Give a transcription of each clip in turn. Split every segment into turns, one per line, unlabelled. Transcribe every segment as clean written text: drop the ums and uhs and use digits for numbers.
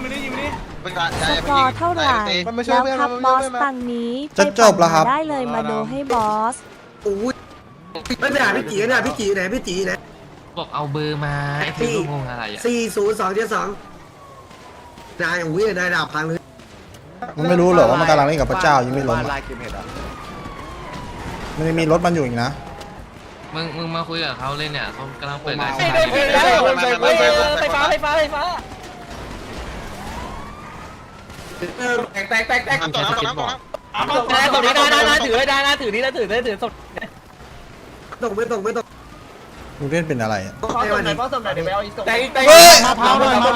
สกอร์เท่าไหร่แล้วครับบอสตังนี้จะจบแล้วครับได้เลยมาดูให้บอส
ไม่ไปหาพี่จีเนี่ยพี่จีไหนพี่จีไหน
บอกเอาเบอร์มาไอ้ที่งงอะไรอ่ะ
4027 นายอุ้ยนายดาบพังเลย
มันไม่รู้หรอกว่ามันกำลังเล่นกับพระเจ้ายังไม่ล้มมันยังมีรถมันอยู่อีกนะ
มึงมาคุยกับเขาเลยเนี่ยเขากำลังเปิดร้าน
ไฟฟ้าแตก
ต่อนะ
ตรงนี้ได้ถือเลยได้นะถือนี่แล้วถือสด
ไม่ตก
มึงเล่นเป็นอะไร
เพราะสมไหนเดี๋ยวไปเอาอีกแตก
มาพาวหน่อย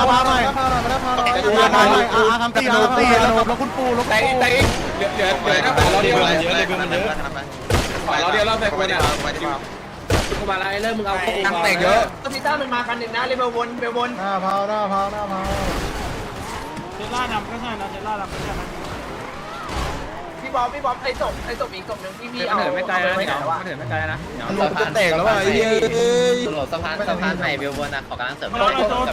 ทำตีแล้วคุณปูลง
แตกเหลือเราเดียวเราแตกคนเนี่ยกูมาอะไรเริ่มมึงเอาตั้งแตกเยอะซีต้ามันมากันหนึ่งนะเลยเบลวน
หน้าพาว
เจล่าดำก็ใช่นะเจล่าดำก็ใช่นะ
พี่บอมไอ้ศพอีกศพหนึ่งพี่เอาไม่ไกลนะไม่ไกลนะ
ลงจะแตกแล้วว่ะไอ้เฮ้ย
สะพานใหม่เบลบนนะขอกำลังเสริม
ตัว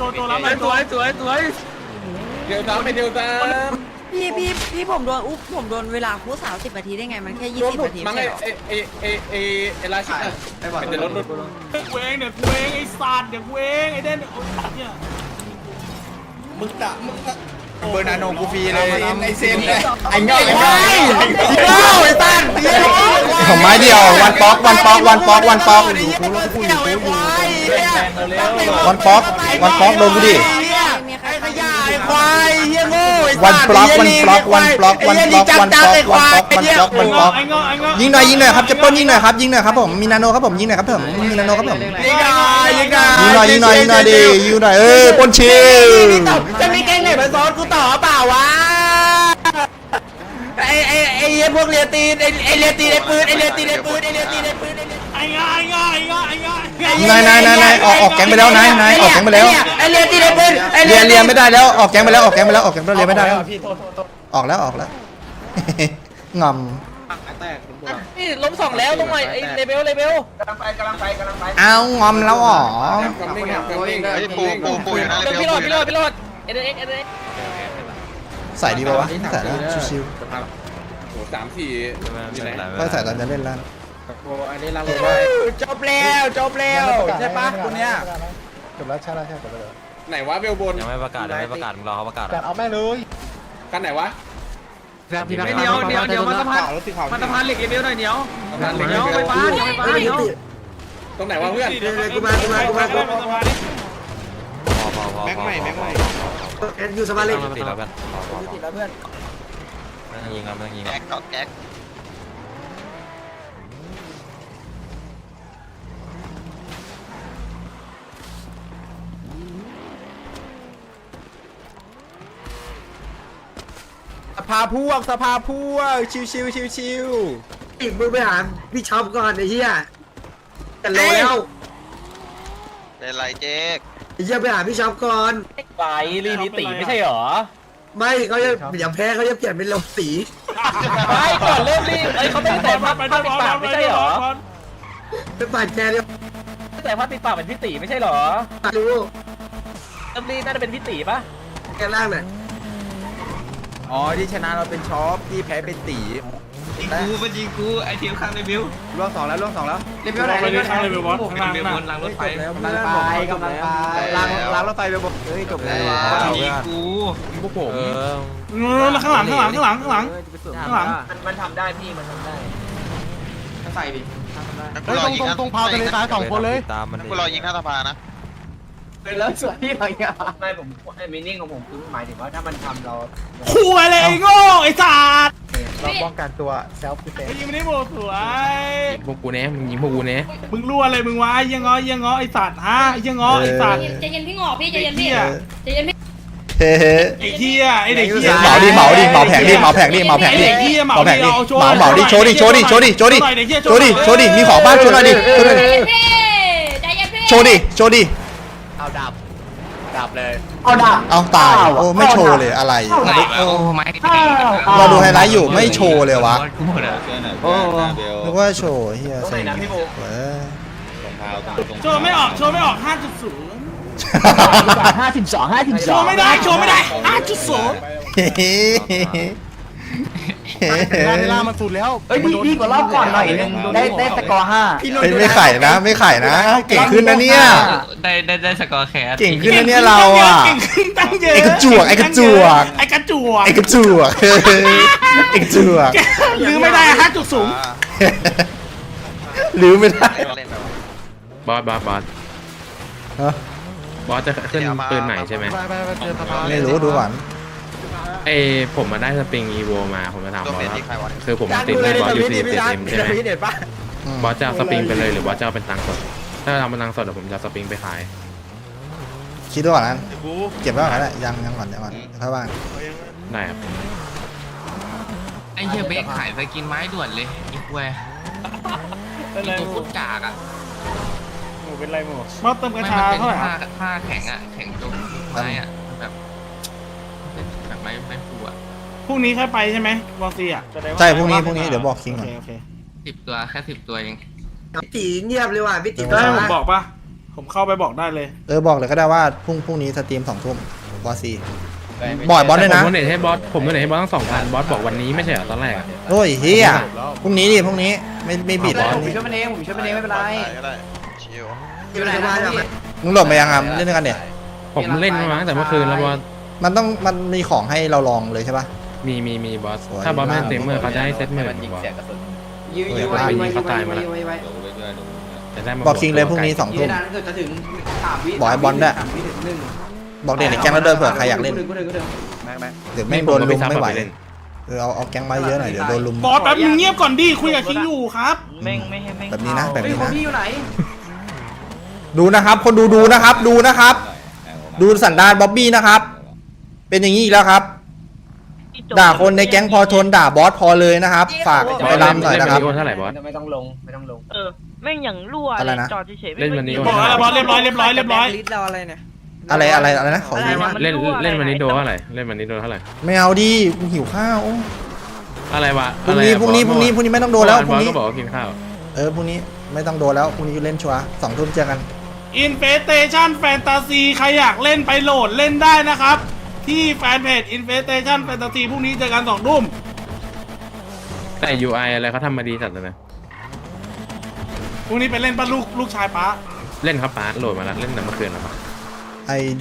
เดี๋ยวตาม
พี่ผมโดนผมโดนเวลาคู30 นาทีได้ไงมันแค่20 นาที
มั้งไอ้ราชินีเดี๋ยวรถ
กูเองไอ้สัตว์เดี๋ยวกูเองไอ้เด่นเนี่ย
มึงเบอร์นาโนกูฟรีเลยไอเซนไอ้
ไอ้
เงาไ
อ้ตั้น
ของไม้เดียววันป๊อกวันป๊อกโดนกูดิวันป๊อกยิงหน่อยครับจะป้นยิงหน่อยครับผมมีนาโนครับผมยิงหน่อยครับผมมีนาโนครับผมยิงหน่อยดิยิงหน่อยป้นชิล
จะมีแก๊งไหนมาซ้อนกูต่อเปล่าวะไอ้พวกเรียตีนไอ้เรียตีนไอ้ปืน
ไอ้ง่
ายออกแก๊งไปแล้วนายออกแก๊งไปแล้ว
ไอ้เรียตีนไอ้ปืน
เรียนไม่ได้แล้วออกแก๊งไปแล้วเรียนไม่ได้แล้วออกแล้วงอม
นี่ล้ม2แล้วตรงไหนไอ้เลเบลกำลังไป
เอางอมแล้วอ๋อ
ปูอยู่นะพี่รอดเอ็น
ใส่ดีป่าวะใส่แล้วชิว
ๆโอ้3-4
ก็ใส่ตอนจะเล่นแล้ว
โอ้อันนี้จบแล้วใช่ปะคนเนี้ย
จบแล้วใช่
ไหนวะเบลบน
ยังไม่ประกาศมึงรอเขาประกาศ
เอาแม่เลย
กันไหนวะ
เดี๋ยวมาสะพานเหล็กเบลหน่อยเดี๋ยวไฟฟ้า
ตรงไหนวะเพื่อน
กูมา
แม็กใหม่
อยู่สบายเลย
ติดแล้วเพื่อนไม่ต้องยิง
แก๊ก
สภาพวกชิว
อีกมึงไปหาพี่ช็อปก่อนไอ้เหี้ยกันแล้ว
เป็นไรเจ๊ก
ไอ้เหี้ยไปหาพี่ช็อปก่อน
ไปรีนิติไม่ใช่หรอ
ไม่เขาจะอย่าแพ้เขาจะเปลี่ยนเป็นลมสี
ไม่ก่อนเริ่มรีเขาไม่แต่ผ้าปิดปากไม่ใช่หรอ
เป็นปากแกเนี่ย
แต่ผ้าปิดปากเป็นพี่ตีไม่ใช่หรอ
รู้
เริ่มรีน่าจะเป็นพี่ตีปะ
แกล่างหน่อย
อ๋อที่ชนะเราเป็นช็อปที่แพ้เป็นตี
ยิงกูไอทีมข้างในบิว
ล่วง2แล้ว
เลเวลไหน
ข้างในบิวบอสข้าง
บิวบนรางรถไฟ
กำลังไปล้างรถไฟไปบอกเฮ้ยจบแล้ว
ยิงกู
พวกผม
ข้างหลัง
มันทำได้พี่มันทำได้
ใส่ดิตรงพาวทะเลทราย2 คนเลย
กูรอยิงหน้าสะพานนะ
แล้วส่วนที่อะไรเงี้ยไม่ผมไอ้มินิ่งของผมคือหมายถึงว่าถ้ามันทำเรา
ขู่อะไรโง่ไอ้สัตว์
เราป้องกันตัวเซลฟ์ดิเฟนซ์
ยิงไม่ได้โบสวย
พวกกูเนี้ยมึงยิงพวกกูเนี้ย
มึงรั่วอะไรมึงวะยังง้อไอ้สัตว์ฮะยังง้อไอ้สัตว์
ใจเย็นพี่งอพี่ใจเย็นพี่
เฮ้
ไอ้เหี้ยไอ้เด็กเหี้ย
เหมาแผงดิเหมาแผงดิเหมาดิโชว์ดิมีของบ้านโชว์หน่อยดิโชว์ดิ
เอาดับเลย
เอาตายโอ้ไม่โชว์เลยอะไร
โอ้ไม่
เราดูไฮไลท์อยู่ไม่โชว์เลยวะนึกว่าโชว์เฮียใส่
โชว์ไม่ออก 5.0
โชว์ไม่ได้
เฮ้ย
ล่ามันสุดแล้ว
เอ้ยดีกว่ารอบก่อนหน่อยนึงได้สกอร์5
ไม่ไข่นะไม่ไข่นะ เก่งขึ้นนะเนี่ย
ได้สกอร์แคส
เก่งขึ้นนะเนี่ยเราอ่ะ
เก่งขึ้นตั้งเยอะ
ไอ้กระจวกไอ้กระจวก
ไอ้กระจวก
ไอ้กระจวกเฮ้ยไอ้กระจวก
ลืมไม่ได้ฮะจุดสูง
ลืมไม่ได้
เล่นแบบ
บอส
ฮะ
บอสจะขึ้นปืนใหม่ใช่ไหม
ไม่รู้ดูก่อน
ไอผมมาได้สปริงอีโวมาผมจะถาม
ตัว
บอ
เป
ส
ลี่ยนที่ใครวะ
คือผมติดในบอสยูซีติดเอ็มใช่ไหม
เด็ดปะ
บอสจะเอาสปริงไปเลยหรือบอสจะเอาเป็นตังค์สดถ้าเอาเป็นตังค์สดเดี๋ยวผมจะเอาสปริงไปขาย
คิดดูก่อนนะเก็บไว้ก่อนก็ได้ยังก่อนค่อยว่า
ได้ครับ
ไอ้เหี้ยเบคขายไปกินไม้ด่วนเลยอีกเว้ยอีตัวพุดกากอ่ะ
มาเติมกระ
ไม่
ชา
มันเป็น
เท่าไหร่
ผ้าแข็งอ่ะแข็งตรงไม้อ่ะแบบไม่ฟูอ่ะ
พรุ่งนี้ค่อยไปใช่ไหมวอซีอ่ะ
ใช่พรุ่งนี้เดี๋ยวบอกคิงก่อน
โอเค
10 ตัวแค่10 ตัวเอง
พี่ตีเงียบเลยว่ะพี่ตี
ได้ผมบอกปะผมเข้าไปบอกได้เลย
บอกเลยก็ได้ว่าพรุ่งนี้สตรีม2 ทุ่มบอสซีบ่อยบอสด้วยนะ
ผมโดเนทให้บอสตั้ง2,000บอสบอกวันนี้ไม่ใช่เหรอตอนแรกอะ
โอ้ยเฮียพรุ่งนี้ไม่บิด
ผมช่วยมันเองไม่เป็นไร
ก็ได้ชิว
อยู่ไหนบ้านอ่ะ
มึงหลบไปยังอ่ะเล่นด้วยกันเนี่ย
ผมเล่นมาตั้งแต่เมื่อคืนแล้วบอส
มันมีของให้เราลองเลยใช่ปะ
มีบอส
สวย
ถ้าบอสไม่เต็มเมื่อเขาจะให้เซตเมื่อบอส
ยื้อไว้
แต่ได้มา
บอกคิงเลยพรุ่งนี้2 ทุ่ม
จะถึง3 วิ
บอกไอ้บอลด้วย บอกเด็กในแก๊งแล้วเดินเผื่อใครอยากเล่นเดี๋ยวไม่โดนลุมไม่ไหวเอาแก๊งมาเยอะหน่อยเดี๋ยวโดนลุม
บอสแป๊บนึงเงียบก่อนดิคุยกับคิงอยู่ครับ
แบบนี้นะ
พี่อยู่ไหน
ดูนะครับคนดูนะครับ ดูสันดานบ๊อบบี้นะครับ เป็นอย่างนี้อีกแล้วครับ ด่าคนในแก๊งพอทนด่าบอสพอเลยนะครับ ฝากไปรำหน่อยนะครับ
เล่นวันนี้โอนเท่าไหร่บอส
ไม่ต้องลง
แม่งอย่างรั่ว
อะไรนะ
จอดเฉยๆ
เล่นวันนี้โอน
บอกแล้วบอสเรียบร้อย
ลิสเราอะไรเนี่ย
อะไรนะขอดู
เล่นวันนี้โดเท่าไหร่เล่นวันนี้โดเท่าไหร่
ไม่เอาดิกูหิวข้าวโอ้
อะไรวะ
พรุ่งนี้ไม่ต้องโดนแล้วพ
บ
รุ่
อง ส
นี้
ก็บอกว่ากินข้าว
พรุ่งนี้ไม่ต้องโดนแล้วพรุ่งนี้เล่นชัวร์2 ทุ่มเจอกัน
อินเฟสเตชันแฟนตาซีใครอยากเล่นไปโหลดเล่นได้นะครับ ที่แฟนเพจอินเฟสเตชันแฟนตาซีพรุ่งนี้เจอกัน2 ทุ่ม
แต่ UI อะไรเขาทำมาดีจัดเลยนะ
พรุ่งนี้ไปเล่นป้าลูกชายป้า
เล่นครับป้าโหลดมาแล้วเล่นแต่เมื่อคืนแล้วปะ
ID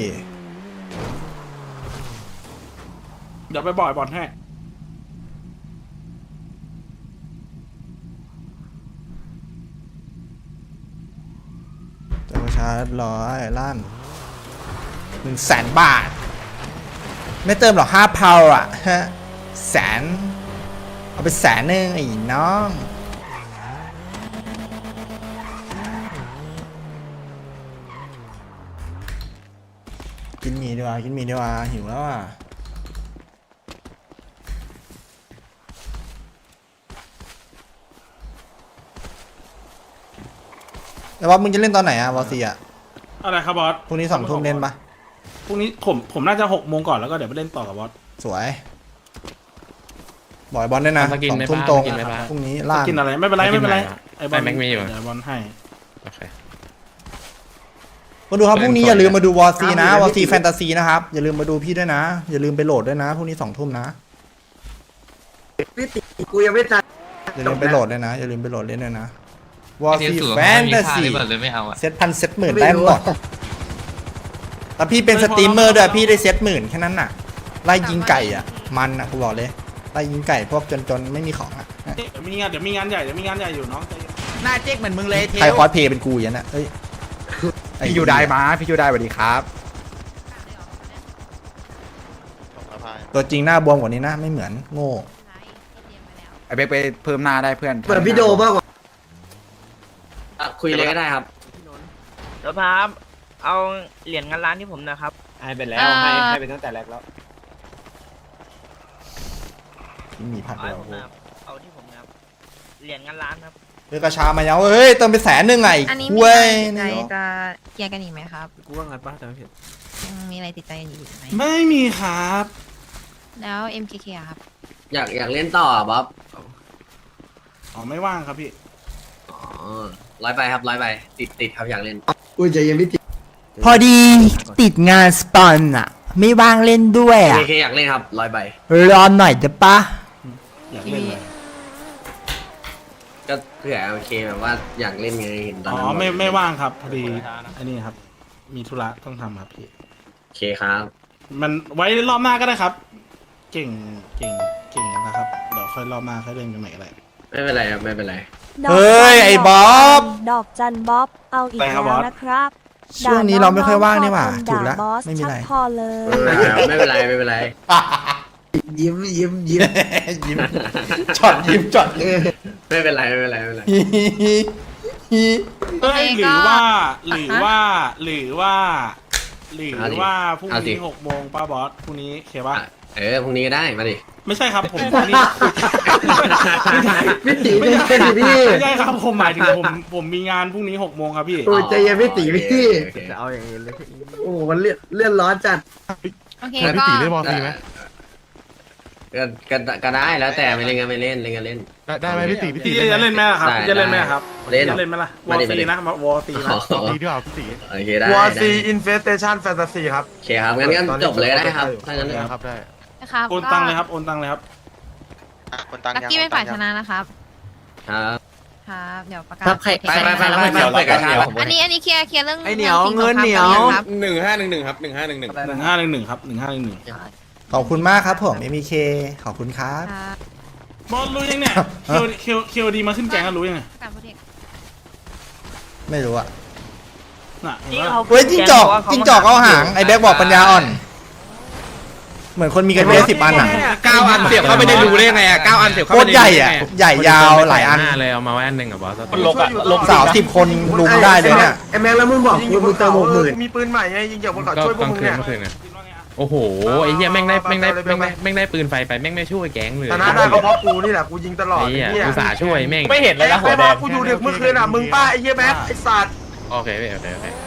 เดี๋ยวไปบ่อยบอลให้
จะประชา100ล้าน100,000 บาท ไม่เติมหรอก5 พาวอ่ะฮะแสนเอาไป100,000ไอ้น้องกินหมี่ดีกว่าหิวแล้วอ่ะแต่ว่ามึงจะเล่นตอนไหนอ่ะวอซีอ่ะ
อะไรครับบอส
พรุ่งนี้2 ทุ่มเล่นปะ
พรุ่งนี้ผมน่าจะ6 โมงก่อนแล้วก็เดี๋ยวไปเล่นต่อกับบอส
สวยบ่อยบอลด้วยนะ
สกิน
2
ไม่
ทุ่ม
ป้า
ตรง
สกินไม่ป้า
พรุ่งนี้ล่าง
กินอะไรไม่เป็นไรไอ้บอล
แม็กมีอยู่
เดี๋ยวบอลให้
โอเค
มาดูครับพรุ่งนี้
เล่นก่อน
อย่าลืมมาดูวอซีนะวอซีแฟนตาซีนะครับอย่าลืมมาดูพี่ด้วยนะ อย่าลืมไปโหลดด้วยนะพรุ่งนี้2 ทุ่มนะ
พี่ตีกูยังไม่ตัด
อย่าลืมไปโหลดด้วยนะอย่าลืมไปโหลดเล่นด้วยนะวอ
ที่
ซี
สู
แฟนตาซี
เลยไม่เอาอ่ะ
เซตพันเซตหมื่นได้หมดแต่พี่เป็นสตรีมเมอร์ด้วยพี่ได้เซต10,000แค่นั้นน่ะไล่ยิงไก่อ่ะมันอ่ะกูบอกเลยไล่ยิงไก่พวกจนไม่มีของอ่ะ
เดี๋ยวมีงานใหญ่อยู่น้อง
หน้าเจ๊กเหมือนมึงเลยเท
ใครคอสเพย์เป็นกูอย่างนั้นอ่ะเอ้ย
พี่ยูได้มาพี่ยูได้สวัสดีครับ
ตัวจริงหน้าบวมกว่านี้นะไม่เหมือนโง่
ไอเบกไปเพิ่มหน้าได้เพื่อน
เปิดพี่โดมากกว่า
คุยเลยก็ได้ครับ
เดี๋ยวพาเอาเหรียญเงินล้านที่ผมนะครับ
ให้ไปแล้วให้ไปตั้งแต่แรกแล้ว
ที่มีพัด
เอา
เดี
ให้
ยว
ผมนะครับเอาที่ผมนะครับเหรียญเงินล้านครับ
เฮ้ยกระชามาแล้วเฮ้ยเติมไป100,000ไง
อันนี้
คุ
มี
ย
อะไรติดใจจะเคลียร์กันอีกไหมครับ
กูว่างัดป้าแต่ไม่ผิด
ยังมีอะไรติดใจกันอยู่อีกไหม
ไม่มีครับ
แล้ว MKK อะครับ
อยากเล่นต่อบ๊อบ
อ๋อไม่ว่างครับพี่
ร้อยไปครับร้อยไปติดครับอยากเล่น
อุ้ยใจเย็นพี่ตี
พอดีติดงานสปอนอะไม่ว่างเล่นด้วยอะ
เคอยากเล่นครับ100 ใบ
รอหน่อยได้ปะ
อยากเล่นเลย
ก็เผื่อโอเคแบบว่าอยากเล่นไงเห็นตอน
อ๋อ
นั้น
ไม่ว่างครับพอดีอันนี้ครับ มีธุระต้องทำครับพี่
โอเคครับ
มันไว้รอบหน้าก็ได้ครับ เก่งนะครับเดี๋ยวค่อยรอบหน้าค่อยเล่นกันใหม่อะไร
ไม่เป็นไรครับไม่เป็นไร
ดอก
เฮ้ยไอ้บ๊อบ
ดอกจันบ๊อบเอาอีก
ไปครับบ
แล้
อ
ว
ส
นะครับ
ช่วงนี้เราไม่ค่อยว่างนี่หว่า
ด่
ถูกแล้ว
บอส
ไม่มีอะไร
ชักพอเลย
ไม่เป็นไรไม่เป็นไร ยิ้ม
ยิ้มช็อตยิ้มช็อต
ไม่เป็นไรไม่เป็นไรไม่เป็นไร
เอ้ยหรือว่าพรุ่งนี้6 โมงป้าบอสพรุ่งนี้เคป่ะ
พรุ่งนี้ก็ได้มาดิ
ไม่ใช่ครับผมพรุ่งนี้
พี่ตีไม่ใช่พี่
ไม่ใช่ครับผมหมายถึงผมมีงานพรุ่งนี้6 โมงครับพี่
โอ้ยใจเย็นพี่ตีพี่
จะเอาอย่างนี้เลย
โอ้มันเลื่อนร้อนจัด
โอเค
พี่
ก็
ตีเล่นบอลฟรีไหม
ก็ได้แล้วแต่ไม่เล่นกันไม่เล่นเล่นกันเล่น
ได้ไหมพี่ตี
พี่จะเล่นไหมล่ะครับ
ได้
พี่จะเล่นไหมครับ
เล่น
จะเล่นไหมล่ะวอ
มา
ล
ดิ
ซีนะวอลซีนะ
ดีด้วยพี่ตี
โอเคได้
วอร์ซี
ได้
อินเฟสเตชันแฟนตาซีครับ
โอเคครับงั้นจบเลยได้ครับถ้างั้น
ครับได้
นะครับ
โอนตังเลยครับโอนตังเลยครับ
คนตัง
ลักกี้เป็นฝ่ายชนะนะครับ
ครับ
ครับเดี๋ยวประกาศ
ไปแล้วไปกันเดี๋ยว
อันนี้เคลียร์เรื่อง
ไอ้เหนียว
รื่อง
เงินเหนียว
ครับ
1511ครับ1511
1511ครับ1511
ขอบคุณมากครับผม MK ขอบคุณครับ
ครับ
บอลรู้ยังเนี่ยเคียวดีมาขึ้นแกงกันรู้ยังไง
การโปรเทค
ไม่รู้อะ
น่ะเห็นปะ
เฮ้ยจิ้งจอกเอาหางไอ้แบ็กบอกปัญญาอ่อน เหมือนคนมีกันเวล10 อันอะ
9 อันเสียบเข้าไปได้รู้ได้ไงอ่ะ9 อันเสียบ
โค
เข้าไป
ตรใหญ่อะใหญ่ยาวหลายอัน
เลยเอามาไว้อันหนึ่งกับบอส
มันลกอ่ะลก
สาว10 คนลุมได้เลยเนี่ย
ไอ้แม็กแล้วมึงบอกมึงเติม60,000
มีปืนใหม่ไงยิงจากบนเกาะ
ก็
ช่วยพว
ก
ก
ลาง
มึง
คืน
เนี่ย
เมื่อคืนเนี่ยโอ้โหไอ้เหี้ยแม่งได้ปืนไฟไปแม่งไม่ช่วยแก๊งเลย
ชนะได้ก็เพราะกูนี่แหละกูยิงตลอด
ไอ้เหี้ย
ไอ้เหี้ย
อุตส่าห์ช่วยแม่ง
ไม่เห็นเลยนะหัวแดงกูอยู่ดึกเมื่อคืนอ่ะมึงป้าไอ้เหี้ยแม็กไอ้สัตว์
โอเค